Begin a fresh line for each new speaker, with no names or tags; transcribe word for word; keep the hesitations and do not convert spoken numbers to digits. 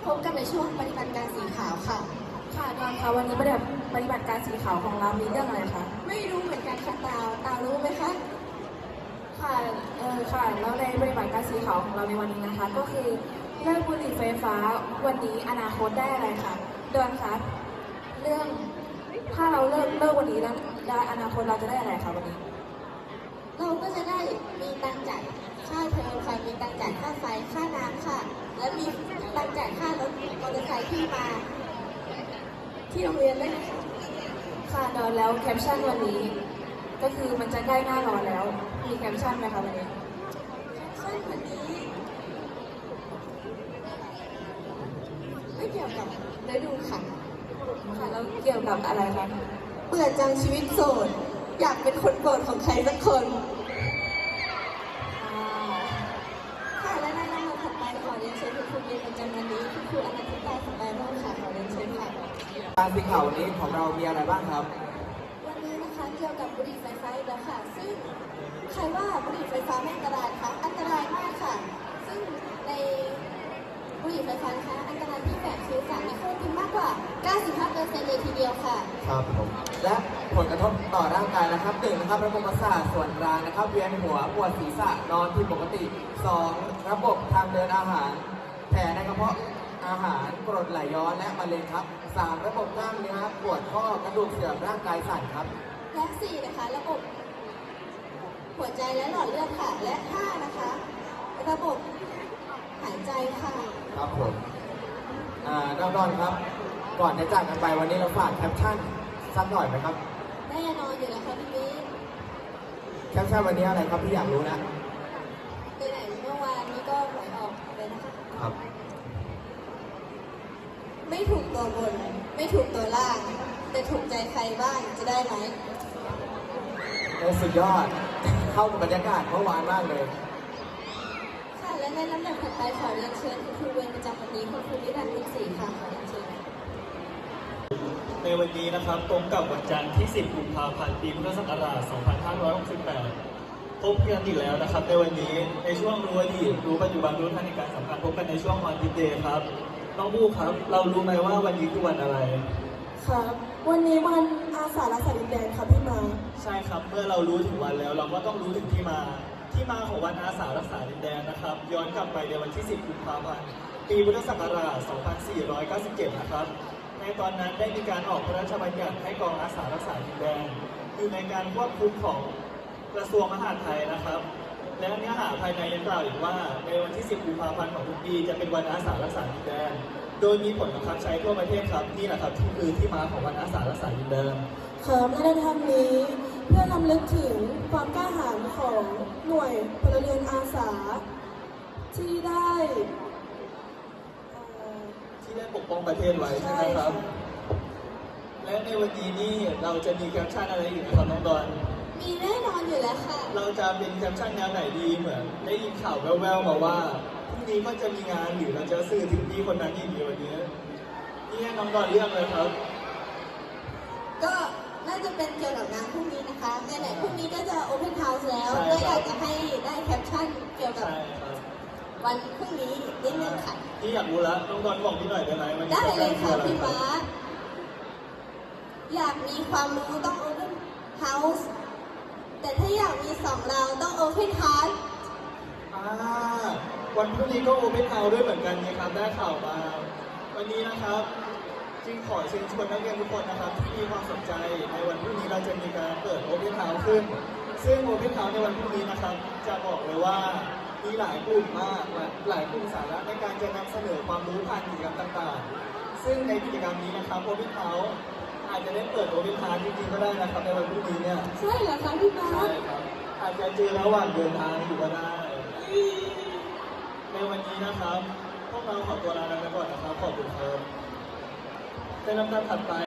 พบกันในช่วงปฏิบัติการสีขาวค่ะ
ค่ะดอนคะวันนี้ปฏิบัติปฏิบัติการสีขาวของเรามีเรื่องอะไรคะ
ไม่รู้เหมือนกันค่ะตาวตาวรู้ไหมคะ
ค่ะเออค่ะแล้วในปฏิบัติการสีขาวของเราในวันนี้นะคะ ก็คือเลิกบุหรี่ไฟฟ้าวันนี้อนาคตได้อะไรคะดอนคะเรื่องถ้าเราเลิกเลิกวันนี้แล้วได้อนาคตเราจะได้อะไรคะวันนี้
เราก็จะได้มีตังจ่ายค่าเทอมค่ะมีตังจ่ายค่าไฟค่าน้ำค่ะและมีตังจ่ายค่ารถมอเตอร์ไซค์ที่มาที่โรงเรียนได้นะคะ
ค่ะดอนแล้วแคปชั่นวันนี้ก็คือมันจะใกล้หน้าร้อนแล้วมีแคปชั่นไหมคะวันนี้
แคปชั่นวันนี้ไม่เกี่ยวกับฤดูค่ะ
ค่ะแล้วเกี่ยวกับอะไรคะ
เบื่อจังชีวิตโสดอยากเป็นคนโปรดของใครสักคนค่ะและในลำดับถัดไปขอเรียนเชิญคุณครูเรียนประจำวันนี้คุณครูอนันติตาสบายโรจน์ค่ะขอเรียนเชิญค่ะ
การสีขาววันนี้ของเรามีอะไรบ้างครับ
วันนี้นะคะเกี่ยวกับบุหรี่ไฟฟ้าอีกแล้วค่ะซึ่งใครว่าบุหรี่ไฟฟ้าไม่อันตรายคะอันตรายมากค่ะซึ่งในบุหรี่ไฟฟ้านะคะอันตรายที่แฝงคือสารนิโคตินมากกว่า เก้าสิบห้าเปอร์เซ็นต์ เลยทีเดียวค่ะ
ครับผมและผลกระทบต่อร่างกายนะครับหนึ่งนะครับระบบประสาทส่วนกลางนะครับเวียนหัวปวดศีรษะนอนผิดปกติสองระบบทางเดินอาหารแผลในกระเพาะอาหารกรดไหลย้อนและมะเร็งครับสามระบบกล้ามเนื้อปวดข้อกระดูกเสื่อมร่างกายสั่นครับ
และสี่นะคะระบบหัวใจและหลอดเลือดค่ะและห้านะคะระบบหายใจค่ะ
ครับผมอ่าน้องดอนครับก่อนจะจากกันไปวันนี้เราฝากแคปชั่นสักหน่อยไหมครับ
แน่นอนอยู่แล้วค่ะพี่บิ๊ก
แคปชั่นวันนี้อะไรครับพี่อยากรู้นะ
ไปไหนเมื่อวานนี้ก็หวยออกเลยนะคะ
ครับ
ไม่ถูกตัวบนไม่ถูกตัวล่างแต่ถูกใจใครบ้างจะได้ไหม
โอ้สุดยอดเข้ากับบรรยากาศเมื่อวานมากเลย
ค่ะและในลำดับถัดไปขอเรียนเชิญคุณครูเวรประจำวันนี้คุณครูนิรันดร์บุญศรีค่ะขอเรียนเชิญ
ในวันนี้นะครับตรงกับวันจันทร์ที่สิบกุมภาพันธ์ปีพุทธศักราชสองพันห้าร้อยหกสิบแปดพบกันอีกแล้วนะครับในวันนี้ในช่วงรู้อดีตรู้ปัจจุบันรู้ทันในการสำคัญพบกันในช่วงวันพิเศษครับน้องบูครับเรารู้ไหมว่าวันนี้คือวันอะไร
ครับวันนี้วันอาสารักษาดินแดนครับพี่มา
ใช่ครับเมื่อเรารู้ถึงวันแล้วเราก็ต้องรู้ถึงที่มาที่มาของวันอาสารักษาดินแดนนะครับย้อนกลับไปในวันที่สิบกุมภาพันธ์ปีพุทธศักราชสองพันสี่ร้อยเก้าสิบเจ็ดนะครับในตอนนั้นได้มีการออกพระราชบัญญัติให้กองอาสารักษาดินแดนอยู่ในการควบคุมของกระทรวงมหาดไทยนะครับและเนื้อหาภายในยังกล่าวอีกว่าในวันที่สิบกุมภาพันธ์ของทุกปีจะเป็นวันอาสารักษาดินแดนโดยมีผลบังคับใช้ทั่วประเทศครับนี่แหละครับที่คือที่มาของวันอาสารักษาดินแดน
ครับและในทางนี้เพื่อรำลึกถึงความกล้าหาญของหน่วยพลเรือนอาสาที่ได้
ที่ได้ปกป้องประเทศไว้ใช่ไหมครับและในวันนี้นี่เราจะมีแคปชั่นอะไรอีกนะครับน้องดอน
มีแน่นอนอยู่แล้วค่ะ
เราจะเป็นแคปชั่นแนวไหนดีเหมือนได้ยินข่าวแว่วๆมาว่าพรุ่งนี้ก็จะมีงานหรือเราจะสื่อถึงพี่คนนั้นอีกดีวันนี้นี่ให้น้องดอนเลือกเลยครับ
ก็น่าจะเป็นเกี่ยวกับงานพรุ่งนี้นะคะไหนๆพรุ่งนี้ก็จะโอเพนเฮาส์แล้วก็อยากจะให้ได้แคปชั่นเกี่ยวกับวันพรุ่งนี้นิดนึงค่ะ
พี่อยากรู้แล้วน้องดอนบอกพี่หน่อยได้ไหม
ได้เลยค่ะพี่ฟ้าอยากมีความรู้ต้องโอเพนเฮาส์แต่ถ้าอยากมีสองเราต้องโอเพนฮาร์ท
วันพรุ่งนี้ก็โอเพนเฮาส์ด้วยเหมือนกันนะครับได้ข่าวมาวันนี้นะครับจึงขอเชิญชวนนักเรียนทุกคนนะครับที่มีความสนใจในวันพรุ่งนี้เราจะมีการเปิดโอเพนเฮาส์ขึ้นซึ่งโอเพนเฮาส์ในวันพรุ่งนี้นะครับจะบอกเลยว่ามีหลายกลุ่มมากหลายกลุ่มสาระในการจะนำเสนอความรู้ผ่านกิจกรรมต่างๆซึ่งในกิจกรรมนี้นะครับโอเพนเฮาส์อาจจะได้เปิดโอเพนเฮาส์จริงๆก็ได้นะครับในวันพรุ่งนี้เนี่ย
ใช่เหรอคะพี่มา
ใช่ครับอาจจะเจอระหว่างเดินทางอยู่ก็ได้ในวันนี้นะครับพวกเราขอตัวลาไปก่อนนะครับขอบคุณครับในลำดับถัดไป